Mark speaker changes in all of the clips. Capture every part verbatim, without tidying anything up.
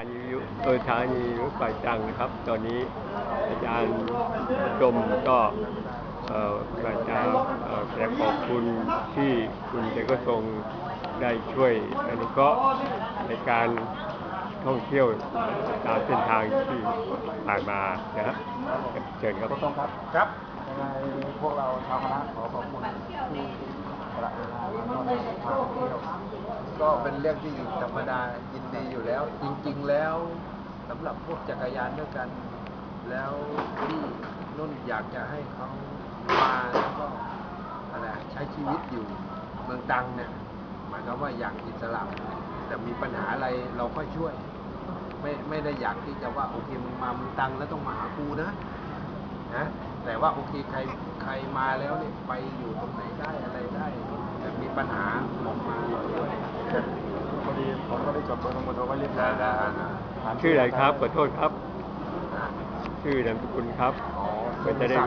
Speaker 1: นีวิทยุเออสถานีรถไฟตรังนะครับตอนนี้อาจารย์ชมก็เอ่ออาจารย์เอ่อแสดงขอบคุณที่คุณเจก็ทรงได้ช่วยอนุเคราะห์ในการท่องเที่ยวตามเส้นทางที่ผ่านมานะครับเชิญครับ
Speaker 2: ต้องครับครับยังไงพวกเราชาวคณะขอขอบคุณที่สละเวลาแล้วก็พาเที่ยวก็เป็นเรื่องที่ธรรมดายินดีอยู่แล้ว จริงๆแล้วสำหรับพวกจักรยานด้วยกัน แล้วที่นุ่นอยากจะให้เขามาแล้วก็อะไรใช้ชีวิตอยู่เมืองตรังเนี่ยหมายความว่าอย่างอิสระแต่มีปัญหาอะไรเราก็ช่วยไม่ไม่ได้อยากที่จะว่าโอเคมึงมาเมืองตรังแล้วต้องมาหากูนะนะแต่ว่าโอเคใครใครมาแล้วเนี่ยไปอยู่ตรงไหนได้อะไรได้แต่มีปัญหาบอกมาเราช่วยพอดีผมก็ได้จดเบอร์โทรเบอร์โทรไว้เรียบร้อยแล้ว
Speaker 1: ชื่ออะไรครับขอโทษครับชื่อนามสกุลครับไม่จะได้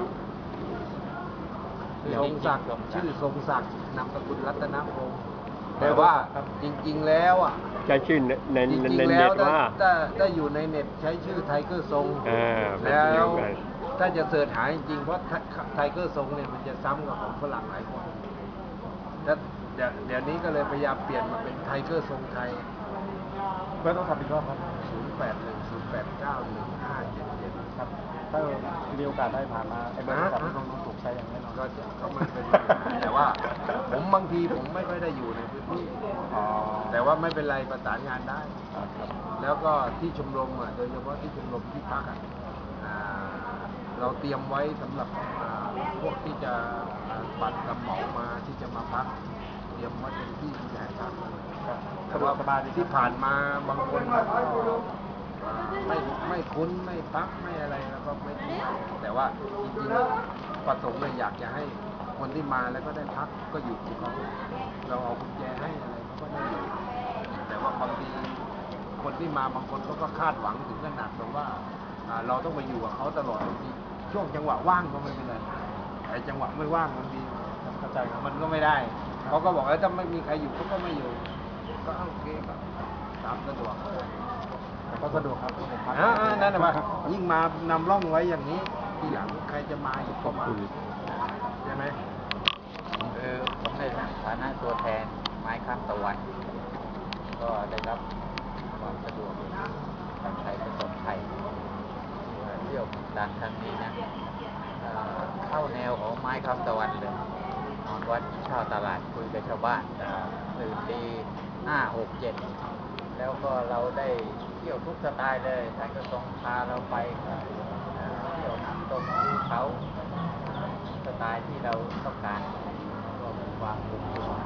Speaker 2: ทรงศักดิ์ชื่อทรงศักดิ์นามสกุลรัตนพงศ์แต่ว่าจริงๆแล้วอ่ะ
Speaker 1: ใช้ชื่อในในเน็ตว่า
Speaker 2: ถ้าถ้าอยู่ในเน็ตใช้ชื่อไทเกอร์ทรงแล้วถ้าจะเสิร์ชหาจริงๆเพราะไทเกอร์ทรงเนี่ยมันจะซ้ำกับของฝรั่งหลายคนแล้วเดี๋ยวเดี๋ยวนี้ก็เลยพยายามเปลี่ยนมาเป็นไทเกอร์ทรงไทยเพื่อต้องทำอีกรอบครับศูนย์แปดหนึ่งศูนย์แปดเก้าหนึ่งห้าเจ็ดเจ็ดครับถ้ามีโอกาสได้ผ่านมาไอ้เบอร์โทรศัพท์ที่ต้องถูกใช้อย่างแน่นอนก็จะก็ไม่เป็นแต่ว่าผมบางทีผมไม่ค่อยได้อยู่ในพื้นที่แต่ว่าไม่เป็นไรประสานงานได้แล้วก็ที่ชมรมอ่ะโดยเฉพาะที่ชมรมที่พักอ่ะเราเตรียมไว้สำหรับพวกที่จะบัตรกำเหมามาที่จะมาพักเตรียมไว้เป็นที่ใหญ่พักแต่ว่าที่ผ่านมาบางคนไม่ไม่คุ้นไม่พักไม่อะไรแล้วก็ไม่ที่แต่ว่าจริงๆประสงค์เลยอยากจะให้คนที่มาแล้วก็ได้พักก็อยู่ของเขาเราเอากุญแจให้อะไรเขาก็ได้อยู่แต่ว่าบางทีคนที่มาบางคนเขาก็คาดหวังถึงขนาดแบบว่าเราต้องมาอยู่กับเขาตลอดบางทีช่วงจังหวะว่างก็ไม่เป็นไรแต่จังหวะไม่ว่างบางทีเข้าใจมันก็ไม่ได้เขาก็บอกว่าถ้าไม่มีใครอยู่เขาก็ไม่อยู่ก็โอเคก็ตามสะดวกก็สะดวกครับอ่านั่นแหละยิ่งมานำร่องไว้อย่างนี้ทีหลังใครจะมาอีกก็มาใช่ไหม
Speaker 3: คือผมในฐานะตัวแทนไม้ข้ามตะวันก็ได้รับความสะดวกการใช้ประสบภัยเที่ยวดังครั้งนี้นะเข้าแนวของไม้ข้ามตะวันเลยนอนวัดกินข้าวตลาดคุยกับชาวบ้านตื่นตีห้าหกเจ็ดแล้วก็เราได้เที่ยวทุกสไตล์เลยท่านก็ทรงพาเราไปเที่ยวน้ำตกภูเขาสไตล์ที่เราต้องการก็มีความสุข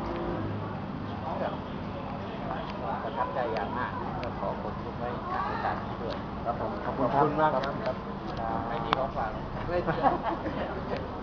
Speaker 3: ประทับใจอย่างมากก็ขอขอบคุณไว้นักศึกษาด้วย
Speaker 2: ครับผมขอบคุณมากครับ
Speaker 3: ไม่มีของฝาก
Speaker 2: ไม่